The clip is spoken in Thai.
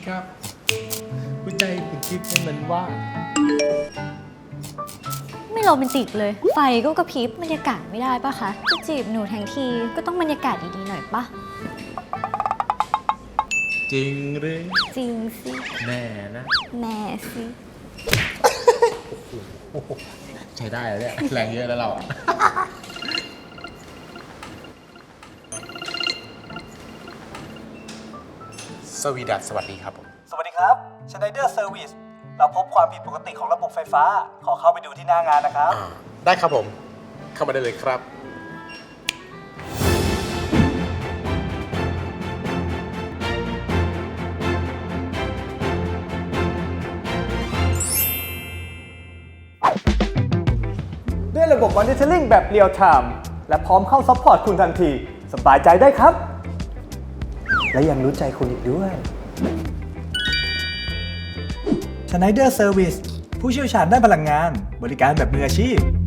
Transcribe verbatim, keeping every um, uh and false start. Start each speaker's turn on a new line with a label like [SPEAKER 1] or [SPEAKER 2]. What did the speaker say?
[SPEAKER 1] ครับหัวใจคุณคิดให้มันว่าง
[SPEAKER 2] ไม่โรแมนติกเลย ไฟก็กระพริบบรรยากาศไม่ได้ปะคะจะจีบหนูทั้งทีก็ต้องบรรยากาศดีๆหน่อยปะ
[SPEAKER 1] จริงหรือ
[SPEAKER 2] จริงสิ
[SPEAKER 1] แน่นะ
[SPEAKER 2] แน่สิ
[SPEAKER 1] ใช้ได้แล้วเนี่ยแรงเยอะแล้วเราอะ สวีดัสสวัสดีครับผม
[SPEAKER 3] สวัสดีครับ Schneider Service เราพบความผิดปกติของระบบไฟฟ้า ขอเข้าไปดูที่หน้างานนะครับ
[SPEAKER 1] ได้ครับผม เข้ามาได้เลยครับ
[SPEAKER 3] ด้วยระบบ Monitoring แบบ Real Time และพร้อมเข้าซัพพอร์ตคุณทันที สบายใจได้ครับ และยังรู้ใจคุณอีกด้วย Schneider Service ผู้เชี่ยวชาญด้านพลังงาน บริการแบบมืออาชีพ